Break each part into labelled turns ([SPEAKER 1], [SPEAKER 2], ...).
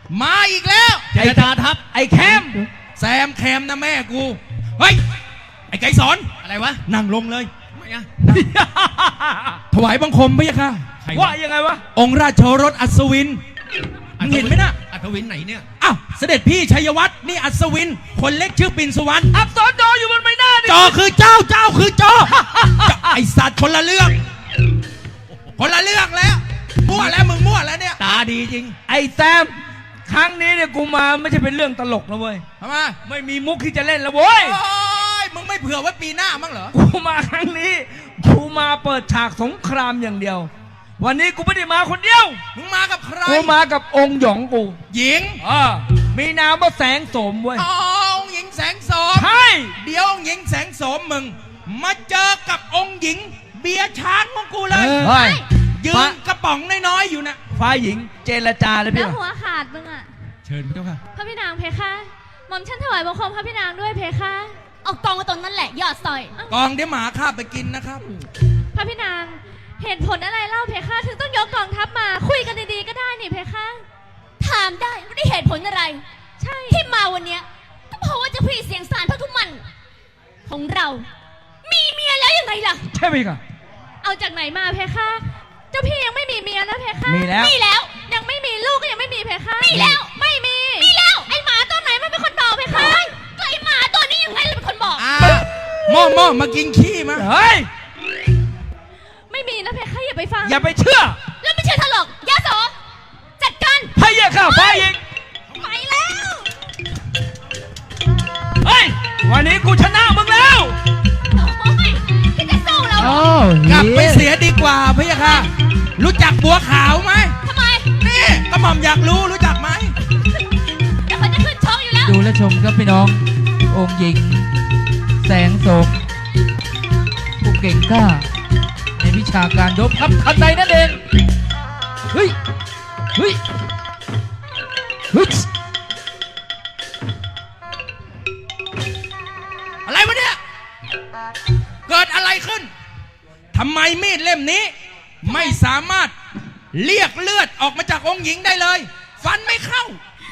[SPEAKER 1] มาอีกแล้ว
[SPEAKER 2] เจรจาทัพไอ้แคม
[SPEAKER 1] แซมแคมนะแม่กูเฮ้ยไอ้ไก่สอน
[SPEAKER 2] อะไรวะ
[SPEAKER 1] นั่งลงเลย
[SPEAKER 2] ไม่อะ
[SPEAKER 1] ถวายบังคมพระยะค่ะ
[SPEAKER 2] ว่ายังไงวะ
[SPEAKER 1] องค์ราชโอรสอัศวินมึงเห็นไหมนะ
[SPEAKER 2] อัศวินไหนเนี่ย
[SPEAKER 1] อ้าวเสด็จพี่ชัยวัฒน์นี่อัศวินคนเล็กชื่อปิ่นสุวรรณ
[SPEAKER 2] อักษรจออยู่บนใบหน้าดิ
[SPEAKER 1] จอคือเจ้าคือจอ ไอสัตว์คนละเรื่องแล้วมั่วแล้วมึงมั่วแล้วเนี่ย
[SPEAKER 2] ตาดีจริงไอ้แซมครั้งนี้เนี่ยกูมาไม่ใช่เป็นเรื่องตลกนะเว้ย
[SPEAKER 1] ทำไม
[SPEAKER 2] ไม่มีมุกที่จะเล่นแล้วเว้ย
[SPEAKER 1] มึงไม่เผื่อไว้ปีหน้ามั้งเหรอ
[SPEAKER 2] กูมาครั้งนี้กูมาเปิดฉากสงครามอย่างเดียววันนี้กูไม่ได้มาคนเดียว
[SPEAKER 1] มึงมากับใคร
[SPEAKER 2] กูมากับองค์หยองกู
[SPEAKER 1] หญิง
[SPEAKER 2] มีนามว่าแสงโสมเว้ย
[SPEAKER 1] องค์หญิงแสงโสม
[SPEAKER 2] ใช่
[SPEAKER 1] เดี๋ยวองค์หญิงแสงโสมมึงมาเจอกับองค์หญิงเบียร์ช้างของกูเลยยืนกระป๋องน้อยๆอยู่นะ
[SPEAKER 2] ฝ่ายหญิงเจรจาเลยพี่
[SPEAKER 3] แล้วหัวขาดมึงอ่ะ
[SPEAKER 1] เชิญพระเจ้าค่ะ
[SPEAKER 3] พระพี่นางเพคะหม่อมฉันถวายบังคมพระพี่นางด้วยเพคะเอากองมาตรงนั้นแหละยอดซอย
[SPEAKER 1] กองเดี๋ยวหมาข้าไปกินนะครับ
[SPEAKER 3] พระพี่นางเหตุผลอะไรเล่าเพคะถึงต้องยกกองทัพมาคุยกันดีๆก็ได้นี่เพคะ
[SPEAKER 4] ถามได้ไม่ได้เหตุผลอะไร
[SPEAKER 3] ใช่
[SPEAKER 4] ที่มาวันเนี้ยก็เพราะว่าเจ้าพี่เสียงสารพระทุมันของเรามีเมียแล้วยังไงล่ะ
[SPEAKER 2] ใช่ไหมคะ
[SPEAKER 3] เอาจากไหนมาเพคะเจ้าพี่ยังไม่มีเมียนะเพคะ
[SPEAKER 2] มี
[SPEAKER 4] แล้ว
[SPEAKER 3] ยังไม่มีลูกก็ยังไม่มีเพคะ
[SPEAKER 4] มีแล้ว
[SPEAKER 3] ไม่มี
[SPEAKER 4] แล้ว
[SPEAKER 3] ไอหมาตัวไหนมันเป็นคนบอกเพคะ
[SPEAKER 4] ก็ไอหมาตัวนี้ยังไงเลยเป็นคนบอก
[SPEAKER 1] ม่อมากินขี้มา
[SPEAKER 2] เฮ้ย
[SPEAKER 3] ไม่มีนะเพคะอย่าไปฟัง
[SPEAKER 2] อย่าไปเชื่อ
[SPEAKER 4] แล้วไม่เชื่อถลกยาโสจัดการ
[SPEAKER 2] พะเยะค่ะฝ่ายหญิง
[SPEAKER 4] ไปแล้ว
[SPEAKER 2] เฮ้ยวันนี้กูชนะมึงแล้ว
[SPEAKER 4] ที่จะสู้เรา
[SPEAKER 1] กลับไปเสียดีกว่าพะยะค่ะรู้จักบัวขาวไหม
[SPEAKER 4] ทำไม
[SPEAKER 1] นี่กระหม่อมอยากรู้จักไหม
[SPEAKER 4] เดี๋ยวเขาจะขึ้นชกอยู่แล้ว
[SPEAKER 5] ดูและชมครับพี่น้ององค์หญิงแสงโสมผู้เก่งกล้าในวิชาการรบครับทันใดนั่นเองเฮ้ย
[SPEAKER 1] อะไรวะเนี่ยเกิดอะไรขึ้นทำไมมีดเล่มนี้ไม่สามารถเรียกเลือดออกมาจากองค์หญิงได้เลยฟันไม่เข้า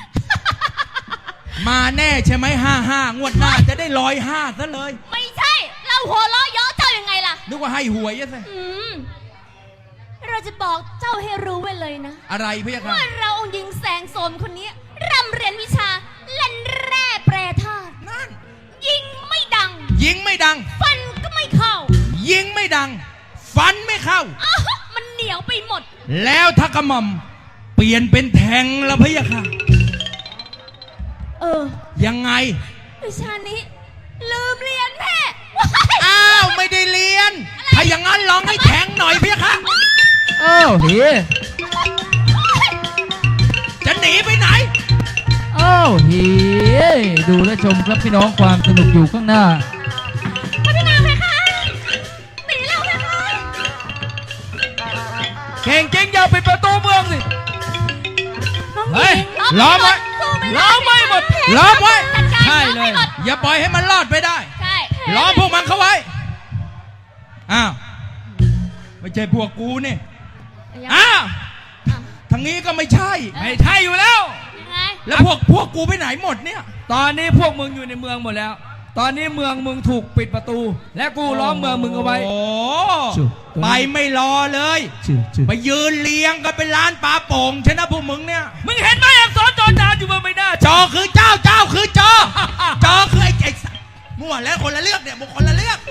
[SPEAKER 1] มาแน่ใช่ไหม55งวดหน้าจะได้105ซะเลย
[SPEAKER 4] ไม่ใช่เราหัวล้อเยาะเจ้ายังไงล่ะ
[SPEAKER 1] นึกว่าให้หวยซะ
[SPEAKER 4] เราจะบอกเจ้าให้รู้ไว้เลยนะ
[SPEAKER 1] อะไรพี่ครับ
[SPEAKER 4] ว่าเราองค์หญิงแสงโสมคนนี้ร่ำเรียนวิชาเล่นแร่แปรธาตุ
[SPEAKER 1] นั่น
[SPEAKER 4] ยิงไม่ดังฟันก็ไม่เข้า
[SPEAKER 1] ยิงไม่ดังฟันไม่เข้า
[SPEAKER 4] มันเหนียวไปหมด
[SPEAKER 1] แล้วถ้ากระหม่อมเปลี่ยนเป็นแทงแล้วพี่ค่ะยังไง
[SPEAKER 4] วิชานี้ลืมเรียนแม่
[SPEAKER 1] อ้าวไม่ได้เรียนถ้าอย่างนั้นลองให้แทงหน่อยพี่ค่ะ
[SPEAKER 5] เฮ้ย
[SPEAKER 1] จะหนีไปไหน
[SPEAKER 5] เฮ้ยดูและชมครับพี่น้องความสนุกอยู่ข้างหน้า
[SPEAKER 3] พระพี่นางเพคะหนีแล้วเพคะ
[SPEAKER 2] เก่งจริงอย่าปิดประตูเมืองสิ
[SPEAKER 1] เฮ้ยล้อมไว้
[SPEAKER 2] ล้อมไว้หมด
[SPEAKER 1] ล้อมไว้
[SPEAKER 2] ใช่เลย
[SPEAKER 1] อย่าปล่อยให้มันรอดไปได้
[SPEAKER 4] ใช่
[SPEAKER 1] ล้อมพวกมันเข้าไว้อ้าวไม่ใช่พวกกูนี่อ้าวทางนี้ก็ไม่ใช่
[SPEAKER 2] อยู่แล้ว
[SPEAKER 1] แล้วพวกกูไปไหนหมดเนี่ย
[SPEAKER 2] ตอนนี้พวกมึงอยู่ในเมืองหมดแล้วตอนนี้เมืองมึงถูกปิดประตูและกูล้อมเมืองมึงเอาไว้
[SPEAKER 1] ไปไม่รอเลยไปยืนเลี้ยงกันเป็นร้านปลาโป่งใช่นะพวกมึงเนี่ย
[SPEAKER 2] มึงเห็นไหมอักษรจอจานอยู่บนใบหน้า
[SPEAKER 1] จอคือเจ้าคือจอจอคือไอ้มั่วแล้วคนละเลือกเนี่ยมึงคนละเลือก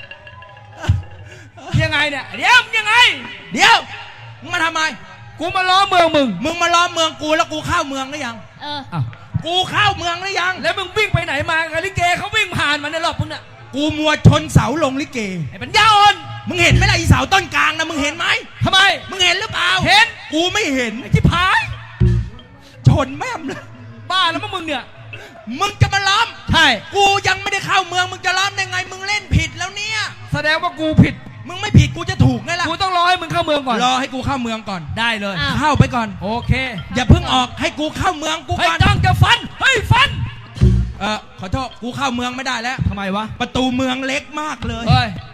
[SPEAKER 2] ยังไงเนี่ยเดี๋ยวยังไง
[SPEAKER 1] มึงมาทำไม
[SPEAKER 2] กูมาล้อมเมือง
[SPEAKER 1] มึงมาล้อมเมืองกูแล้วกูเข้าเมืองหรือยังกูเข้าเมืองหรือยัง
[SPEAKER 2] แล้วมึงวิ่งไปไหนมากับลิเกเขาวิ่งผ่านมาในรอบมึงน่ะ
[SPEAKER 1] กูมัวชนเสาลงลิเก
[SPEAKER 2] ไอ้ปัญญาอ่อน
[SPEAKER 1] มึงเห็นไหมล่ะอีเสาต้นกลางนะมึงเห็นไหม
[SPEAKER 2] ทำไม
[SPEAKER 1] มึงเห็นหรือเปล่า
[SPEAKER 2] เห็น
[SPEAKER 1] กูไม่เห็น
[SPEAKER 2] ไอ้ที่ผาย
[SPEAKER 1] ชนแม่มเลย
[SPEAKER 2] บ้าแล้วมึงเนี่ย
[SPEAKER 1] มึงจะมาล้อม
[SPEAKER 2] ใช่
[SPEAKER 1] กูยังไม่ได้เข้าเมืองมึงจะล้อมได้ไงมึงเล่นผิดแล้วเนี่ย
[SPEAKER 2] แสดงว่ากูผิด
[SPEAKER 1] มึงไม่ผิดกูจะถูกไงล่ะ
[SPEAKER 2] กูต้องรอให้มึงเข้าเมืองก่อน
[SPEAKER 1] รอให้กูเข้าเมืองก่อน
[SPEAKER 2] ได้เลย
[SPEAKER 1] เข้าไปก่อน
[SPEAKER 2] โอเค
[SPEAKER 1] อย่าเพิ่งออกให้กูเข้าเมืองกูก่อน
[SPEAKER 2] จ้องจะฟันฟัน
[SPEAKER 1] ขอโทษกูเข้าเมืองไม่ได้แล้ว
[SPEAKER 2] ทำไมวะ
[SPEAKER 1] ประตูเมืองเล็กมากเลย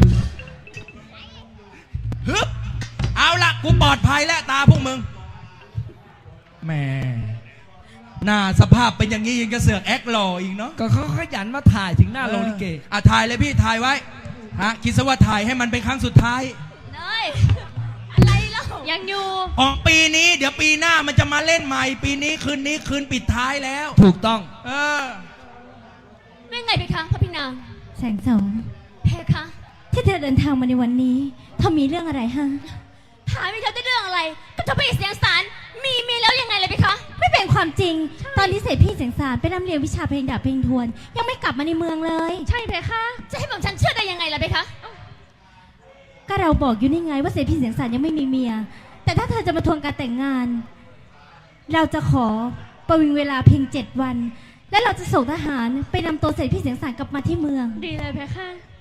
[SPEAKER 1] ฮึบเอาละกูปลอดภัยแล้วตาพวกมึงแม่หน้าสภาพเป็นอย่างนี้ยังจะเสือกแอคหล่ออีกเนาะ
[SPEAKER 2] ก็เขาขยันมาถ่ายถึงหน้าโรงลิเก
[SPEAKER 1] ถ่ายเลยพี่ถ่ายไว้ฮะคิดซะว่าถ่ายให้มันเป็นครั้งสุดท้าย
[SPEAKER 4] เนยอะไรเล่า
[SPEAKER 3] ยังอยู่
[SPEAKER 1] ออกปีนี้เดี๋ยวปีหน้ามันจะมาเล่นใหม่ ปีนี้คืนปิดท้ายแล้ว
[SPEAKER 2] ถูกต้อง
[SPEAKER 1] เออ
[SPEAKER 4] เป็นไงเพคะพระพี่นาง
[SPEAKER 3] แสงสม
[SPEAKER 4] เพคะ
[SPEAKER 3] ที่เธอเดินทางมาในวันนี้เธอมีเรื่องอะไรฮะ
[SPEAKER 4] ถามไปเธอได้เรื่องอะไร ก็เจะพี่เสียงสารมีเมียแล้วยังไงเลยเพคะ
[SPEAKER 3] ไม่เป็นความจริง ตอนที่เสร็จพี่เสียงสารไปร่ำเรียนวิชาเพลงดาบเพลงทวน ยังไม่กลับมาในเมืองเลย ใช่เพคะ
[SPEAKER 4] จะให้ผมฉันเชื่อได้ยังไงล่ะเพคะ
[SPEAKER 3] ก็เราบอกอยู่นี่ไงว่าเสร็จพี่เสียงสารยังไม่มีเมีย แต่ถ้าเธอจะมาทวงการแต่งงาน เราจะขอประวิงเวลาเพียง7 วัน และเราจะส่งทหารไปนำตัวเสร็จพี่เสียงสารกลับมาที่เมือง ดีเลยเพคะ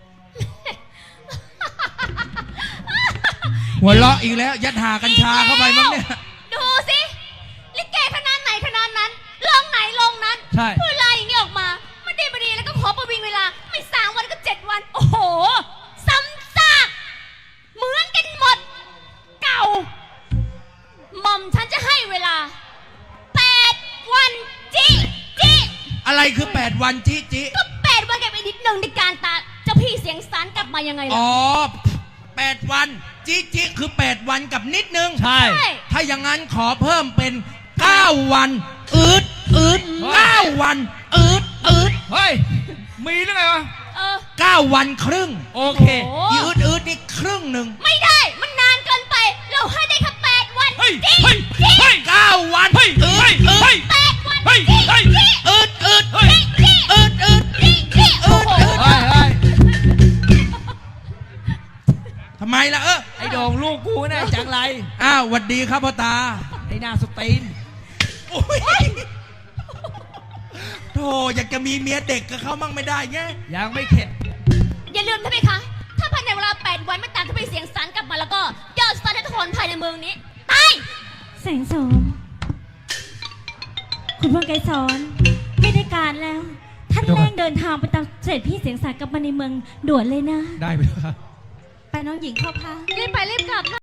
[SPEAKER 1] หัวเราะอีกแล้วยัดหากัญชาเข้าไปมั้งเนี่ย
[SPEAKER 4] ดูสิลิเกขนาดไหนขนาดนั้นลองไหนลองนั้น
[SPEAKER 2] ใช่
[SPEAKER 4] พูดลายอย่างนี้ออกมาไม่ดีไม่ดีแล้วก็ขอประวิงเวลาไม่3 วันก็7 วัน โอ้โหซ้ำซากเหมือนกันหมด เก่าหม่อมฉันจะให้เวลา8 วันจิจิ
[SPEAKER 1] อะไรคือ8 วันจิจิ
[SPEAKER 4] ก็8 วันกับอีกนิดหนึ่งในการตาเจ้าพี่เสียงสารกลับมายังไงล่ะ
[SPEAKER 1] อ๋อ8 วันจิจิคือ8 วันกับนิดนึง
[SPEAKER 2] ใช่
[SPEAKER 1] ถ้าอย่างนั้นขอเพิ่มเป็น9 วันอืด9 วันอืด
[SPEAKER 2] เฮ้ย มีหรือไงวะ
[SPEAKER 4] เออ
[SPEAKER 1] 9 วันครึ่ง
[SPEAKER 2] โอเค
[SPEAKER 4] โอ้
[SPEAKER 1] อีอืดนี่ครึ่งหนึ่ง
[SPEAKER 4] ไม่ได้มันนานเกินไป เราให้ได้แค่8 วัน
[SPEAKER 2] เฮ้ย
[SPEAKER 4] จิ
[SPEAKER 2] เฮ้ย
[SPEAKER 4] จิ
[SPEAKER 2] เฮ้ย
[SPEAKER 1] 9 วัน
[SPEAKER 2] เฮ้ย
[SPEAKER 1] อื
[SPEAKER 2] เฮ้ย
[SPEAKER 1] ด
[SPEAKER 2] เฮ้ย
[SPEAKER 4] 8 วัน
[SPEAKER 2] เฮ้ย
[SPEAKER 4] จิ
[SPEAKER 2] เฮ้ย
[SPEAKER 4] จิ
[SPEAKER 1] อืด
[SPEAKER 2] เฮ้ย
[SPEAKER 4] จิจิ
[SPEAKER 1] อืด
[SPEAKER 4] จิจิโอ้โห
[SPEAKER 2] เฮ้ยเฮ้ย
[SPEAKER 1] ทำไมล่ะ
[SPEAKER 2] ไอ้โด่งลูกกูน่ะจังไร
[SPEAKER 1] อ้าวหวัดดีครับพ่อตา
[SPEAKER 2] ไอ้หน้าสตีน
[SPEAKER 1] โอ้ยโธ่อยากจะมีเมียเด็กกับเขามั่งไม่ได้ไง
[SPEAKER 2] ยังไม่เข็ด
[SPEAKER 4] อย่าลืมนะเพคะ ถ้าภายในเวลา8 วันไม่ตามที่ไปเสียงสารกลับมาแล้วก็ยอดสตาร์ททุกคนภายในเมืองนี้ตาย
[SPEAKER 3] แสงโสมคุณพลไกรสอนไม่ได้การแล้ว ท่านเร่งเดินทางไปตามเสด็จพี่เสียงสารกลับมาในเมืองด่วนเลยนะ
[SPEAKER 2] ได้ไหมครับ
[SPEAKER 3] ไปน้องหญิงเข้าพักรีบไปรีบกลับ